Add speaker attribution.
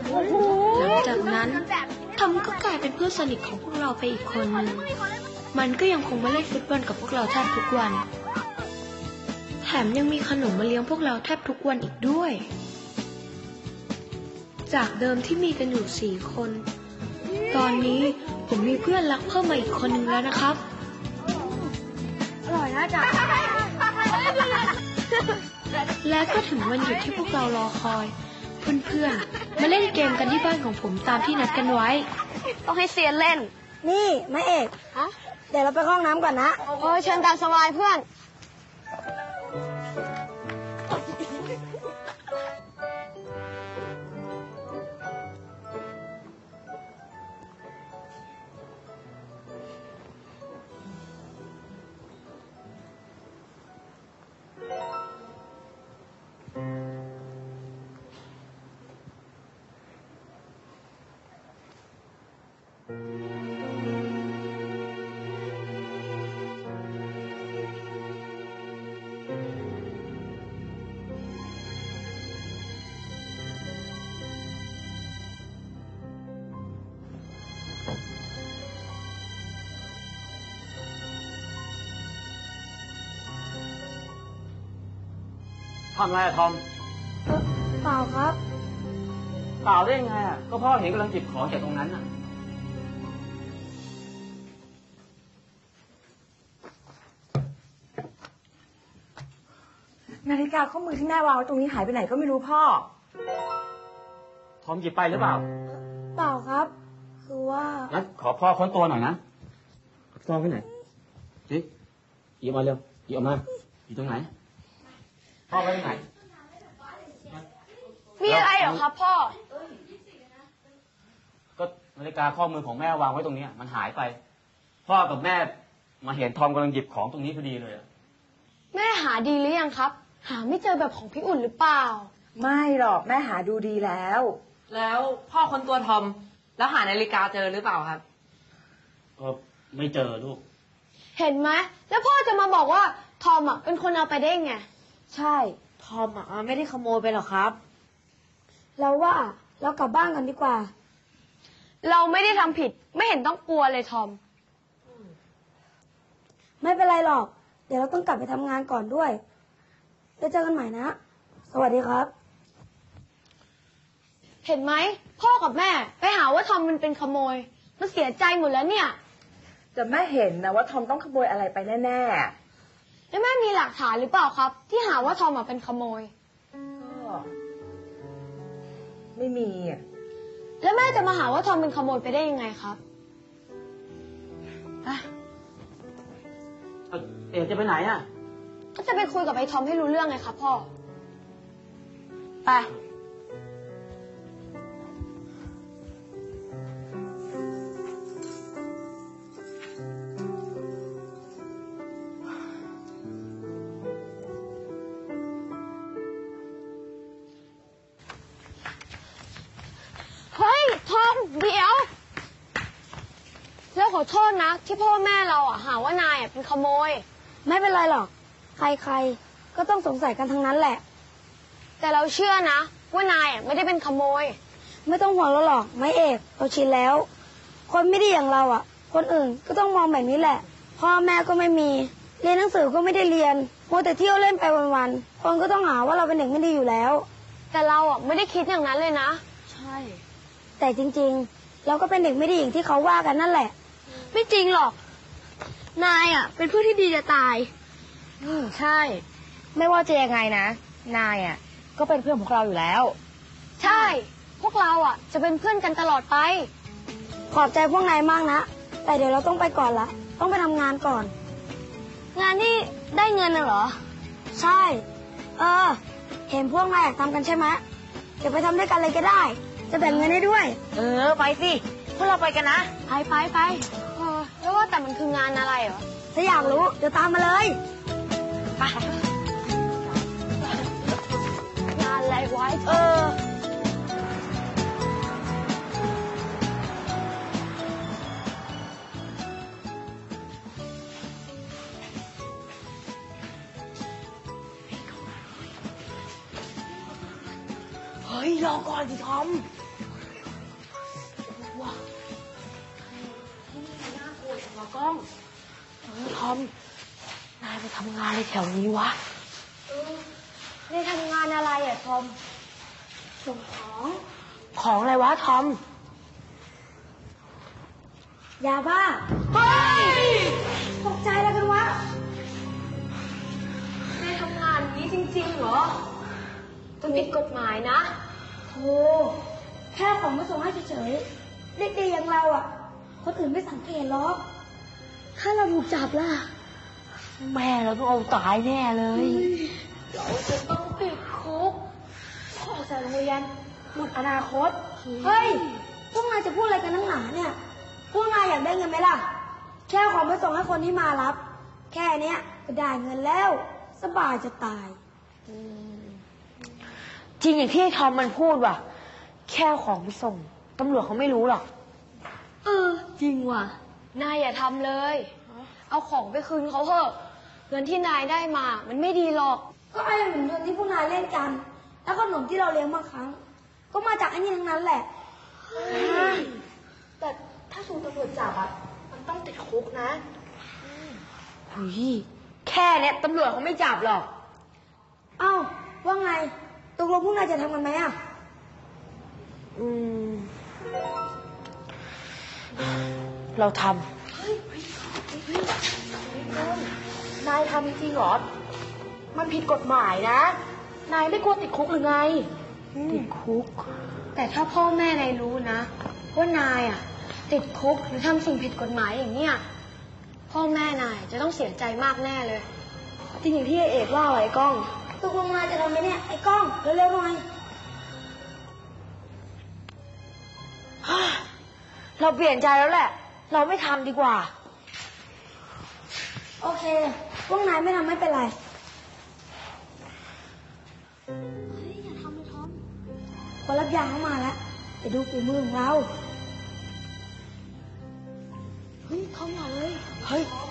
Speaker 1: หลังจากนั้นทอมก็กลายเป็นเพื่อนสนิทของพวกเราไปอีกคนหนึ่งมันก็ยังคงมาเล่นฟุตบอลกับพวกเราแทบทุกวันแถมยังมีขนมมาเลี้ยงพวกเราแทบทุกวันอีกด้วยจากเดิมที่มีกันอยู่4 คนตอนนี้ผมมีเพื่อนรักเพิ่มมาอีกคนหนึ่งแล้วนะครับ
Speaker 2: อร่อยนะจ๊ะ
Speaker 1: และก็ถึงวันหยุดที่พวกเรารอคอยเพื่อนๆมาเล่นเกมกันที่บ้านของผมตามที่นัดกันไว้
Speaker 2: ต้องให้เซียนเล่น
Speaker 3: นี่แม่เอกเดี๋ยวเราไปห้องน้ำก่อนนะ
Speaker 2: เชิญตามสบายเพื่อน
Speaker 4: ทำอะไรอะทอม
Speaker 3: เปล่าครับ
Speaker 4: เปล่าได้ยังไงอะก็พ่อเห็นกำลังจิบของจากตรงนั้นอะ
Speaker 3: นาฬิกาข้อมือที่แม่วางไว้ตรงนี้หายไปไหนก็ไม่รู้พ่อ
Speaker 4: ทอมหยิบไปหรือเปล่า
Speaker 3: เปล่าครับคือว่า
Speaker 4: งั้นขอพ่อค้นตัวหน่อยนะซองที่ไหนนี่หยิบมาเร็วหยิบออกมาอยู่ตรงไหนพ่อไว้ตรงไหน
Speaker 2: มีอะไรเหรอครับพ่อ
Speaker 4: ก็นาฬิกาข้อมือของแม่วางไว้ตรงนี้มันหายไปพ่อกับแม่มาเห็นทอมกำลังหยิบของตรงนี้พอดีเลย
Speaker 2: แม่หาดีหรือยังครับหาไม่เจอแบบของพี่อุ่นหรือเปล่า
Speaker 3: ไม่หรอกแม่หาดูดีแล้ว
Speaker 5: พ่อค้นตัวทอมแล้วหานาฬิกาเจอหรือเปล่าครับ
Speaker 4: ก็ไม่เจอลูก
Speaker 2: เห็นไหมแล้วพ่อจะมาบอกว่าทอมอ่ะเป็นคนเอาไปได้ไง
Speaker 3: ใช่
Speaker 5: ทอมอ่ะไม่ได้ขโมยไปหรอกครับ
Speaker 3: เราว่าเรากลับบ้านกันดีกว่า
Speaker 2: เราไม่ได้ทำผิดไม่เห็นต้องกลัวเลยทอม
Speaker 3: ไม่เป็นไรหรอกเดี๋ยวเราต้องกลับไปทำงานก่อนด้วยแล้วเจอกันใหม่นะสวัสดีครับ
Speaker 2: เห็นไหมพ่อกับแม่ไปหาว่าทอมมันเป็นขโมยมันเสียใจหมดแล้วเนี่ย
Speaker 3: แต่แม่เห็นนะว่าทอมต้องขโมยอะไรไปแน่
Speaker 2: ๆแล้วแม่มีหลักฐานหรือเปล่าครับที่หาว่าทอมเป็นขโมย
Speaker 3: ก็ไม่มี
Speaker 2: แล้วแม่จะมาหาว่าทอมเป็นขโมยไปได้ยังไงครับ
Speaker 4: เอ๋จะไปไหนอ่ะ
Speaker 2: ก็จะไปคุยกับไอ้ทอมให้รู้เรื่องไงครับพ่อไปเฮ้ยทอมเดี๋ยวแล้วขอโทษนะที่พ่อแม่เราหาว่านายเป็นขโมย
Speaker 3: ไม่เป็นไรหรอกใครๆก็ต้องสงสัยกันทั้งนั้นแหละ
Speaker 2: แต่เราเชื่อนะว่านายไม่ได้เป็นขโมย
Speaker 3: ไม่ต้องห่วงเราหรอกไม่เอกเราชินแล้วคนไม่ดีอย่างเราคนอื่นก็ต้องมองแบบนี้แหละพ่อแม่ก็ไม่มีเรียนหนังสือก็ไม่ได้เรียนมัวแต่เที่ยวเล่นไปวันๆคนก็ต้องหาว่าเราเป็นเด็กไม่ดีอยู่แล้ว
Speaker 2: แต่เราไม่ได้คิดอย่างนั้นเลยนะ
Speaker 3: ใช่แต่จริงๆเราก็เป็นเด็กไม่ดีอย่างที่เขาว่ากันนั่นแหละ
Speaker 2: ไม่จริงหรอกนายเป็นเพื่อนที่ดีจะตาย
Speaker 5: ใช่ไม่ว่าจะยังไงนะนายก็เป็นเพื่อนของเราอยู่แล้ว
Speaker 2: ใช่พวกเราจะเป็นเพื่อนกันตลอดไป
Speaker 3: ขอบใจพวกนายมากนะแต่เดี๋ยวเราต้องไปก่อนละต้องไปทำงานก่อน
Speaker 2: งานนี่ได้เงินน่ะเหรอ
Speaker 3: ใช่เห็นพวกนายอยากทำกันใช่ไหมเดี๋ยวไปทำด้วยกันเลยก็ได้จะแบ่งเงินให้ด้วย
Speaker 5: ไปสิพวกเราไปกันนะ
Speaker 2: ไปแล้วว่าแต่มันคืองานอะไรเหรอ
Speaker 3: ถ้าอยากรู้เดี๋ยวตามมาเลย
Speaker 2: ไปงานอะไรไว้
Speaker 5: เฮ้ยรอก่อนสิทอมก้องทอม นายไปทำงานอะไรแถวนี้วะ
Speaker 2: นายทำงานอะไรอ่ะทอม
Speaker 3: ส่งของ
Speaker 5: ของอะไรวะทอม
Speaker 3: ยาบ้า เฮ้ย ตกใจแล้วกันวะ
Speaker 2: นายทำงานนี้จริงๆเหรอมันผิดกฎหมายนะ
Speaker 3: โธ่แค่ของมาส่งให้เฉยๆเด็กๆอย่างเราอ่ะ คนอื่นไม่สังเกตหรอก ถ้าเราถูกจับล่ะ
Speaker 5: แม่เราต้องเอาตายแน่เลย
Speaker 2: เราจะต้องติดคุกออกจากโรงเรียนหมดอนาคต
Speaker 3: เฮ้ย พวกนายจะพูดอะไรกันนักหนาเนี่ย พวกนายอยากได้เงินไหมล่ะ แค่เอาของไปส่งให้คนที่มารับ แค่เนี้ยก็ได้เงินแล้ว สบายจะตาย
Speaker 5: จริงอย่างที่ไอ้ทอมมันพูดว่ะ แค่เอาของไปส่ง ตำรวจเขาไม่รู้หรอก
Speaker 2: จริงว่ะ นายอย่าทำเลย เอาของไปคืนเขาเถอะ เงินที่นายได้มา มันไม่ดีหรอก
Speaker 3: ก็ไอ้เหมือนเงินที่พวกนายเล่นกัน แล้วขนมที่เราเลี้ยงบางครั้ง ก็มาจากไอ้นี่ทั้งนั้นแหละ
Speaker 2: แต่ถ้าถูกตำรวจจับอ่ะ มันต้องติดคุกนะ
Speaker 5: เฮ้ย แค่เนี้ยตำรวจเขาไม่จับหรอก
Speaker 3: เอ้า ว่าไง ตกลงพวกนายจะทำกันไหมอ่ะ
Speaker 5: เราท
Speaker 2: นายทำจริงเหรอ มันผิดกฎหมายนะ นายไม่กลัวติดคุกหรือไง
Speaker 5: ำติดคุก
Speaker 2: แต่ถ้าพ่อแม่นายรู้นะ ว่านายอ่ะ ติดคุกหรือทำสิ่งผิดกฎหมายอย่างเนี้ยพ่อแม่นายจะต้องเสียใจมากแน่เลย จริงอย่างที่เอกว่าไอ้ก้อง
Speaker 3: ตกลงนายจะทำไหมเนี่ย ไอ้กล้อง เร็วๆหน่อย
Speaker 5: เราเปลี่ยนใจแล้วแหละ เราไม่ทำดีกว่า
Speaker 3: โอเค พวกนายไม่ทำไม่เป็นไร คนรับยาเข้ามาแล้วไปดูฝีมือของเรา
Speaker 2: เฮ้ย เข้ามาเลย
Speaker 5: เฮ้ย